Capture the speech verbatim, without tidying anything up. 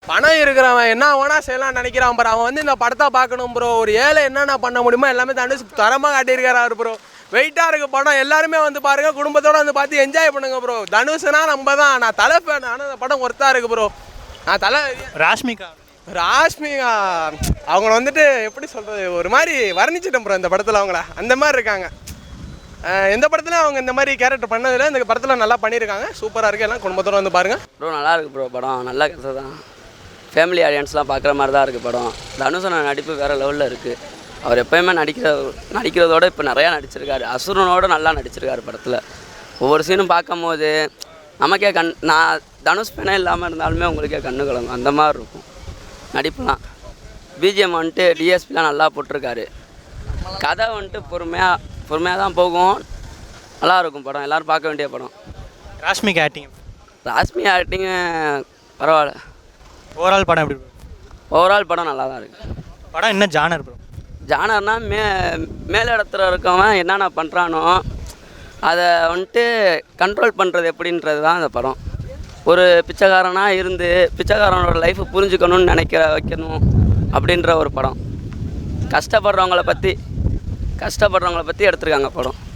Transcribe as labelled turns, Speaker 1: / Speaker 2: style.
Speaker 1: பணம் இருக்கிறவன் என்ன வேணா செய்யலாம் நினைக்கிறான் ப்ரோ. அவன் வந்து இந்த படத்தை பார்க்கணும் ப்ரோ. ஒரு ஏழை என்னென்ன பண்ண முடியுமோ எல்லாமே தனுஷ் தரமாக காட்டியிருக்கிறாரு ப்ரோ. வெயிட்டாக இருக்குது படம். எல்லாருமே வந்து பாருங்கள், குடும்பத்தோடு வந்து பார்த்து என்ஜாய் பண்ணுங்க ப்ரோ. தனுஷ்னா நம்ம தான். நான் தலை ஃபேன். ஆனால் அந்த படம் ஒர்த்தாக இருக்குது ப்ரோ. நான் தலை
Speaker 2: ராஷ்மிகா
Speaker 1: ராஷ்மிகா அவங்கள வந்துட்டு எப்படி சொல்கிறது, ஒரு மாதிரி வர்ணிச்சிட்டேன் ப்ரோ இந்த படத்தில். அவங்கள அந்த மாதிரி இருக்காங்க. எந்த படத்துலையும் அவங்க இந்த மாதிரி கேரக்டர் பண்ணதில்லை. இந்த படத்தில் நல்லா பண்ணியிருக்காங்க. சூப்பராக இருக்குது. எல்லாம் குடும்பத்தோடு வந்து பாருங்கள்
Speaker 3: ப்ரோ. நல்லா இருக்குது ப்ரோ. படம் நல்ல கதை தான். ஃபேமிலி ஆடியன்ஸ்லாம் பார்க்குற மாதிரி தான் இருக்குது படம். தனுஷன நடிப்பு வேறு லெவலில் இருக்குது. அவர் எப்போயுமே நடிக்கிற நடிக்கிறதோட இப்போ நிறையா நடிச்சிருக்காரு. அசுரனோட நல்லா நடிச்சிருக்காரு படத்தில். ஒவ்வொரு சீனும் பார்க்கும் போது நமக்கே கண் நான் தனுஷ் ஃபேனே இல்லாமல் இருந்தாலுமே உங்களுக்கே கண்ணு கலங்கும். அந்த மாதிரி இருக்கும் நடிப்புலாம். பிஜிஎம் வந்துட்டு டிஎஸ்பிலாம் நல்லா போட்டிருக்காரு. கதை வந்துட்டு பொறுமையாக பொறுமையாக தான் போகும். நல்லாயிருக்கும் படம். எல்லோரும் பார்க்க வேண்டிய படம்.
Speaker 2: ராஷ்மிகா ஆக்டிங்
Speaker 3: ராஷ்மி ஆக்டிங்கு பரவாயில்ல.
Speaker 2: ஓவரால் படம் எப்படி ப்ரோ?
Speaker 3: ஓவரால் படம் நல்லா தான் இருக்குது.
Speaker 2: படம் என்ன ஜானர் ப்ரோ?
Speaker 3: ஜானர்னா மே மேல் இடத்துல இருக்கவன் என்னென்ன பண்ணுறானோ அதை வந்துட்டு கண்ட்ரோல் பண்ணுறது எப்படின்றது தான் அந்த படம். ஒரு பிச்சைக்காரனாக இருந்து பிச்சைக்காரனோட லைஃப்பை புரிஞ்சுக்கணும்னு நினைக்கிற வைக்கணும் அப்படின்ற ஒரு படம். கஷ்டப்படுறவங்கள பற்றி கஷ்டப்படுறவங்கள பற்றி எடுத்திருக்காங்க படம்.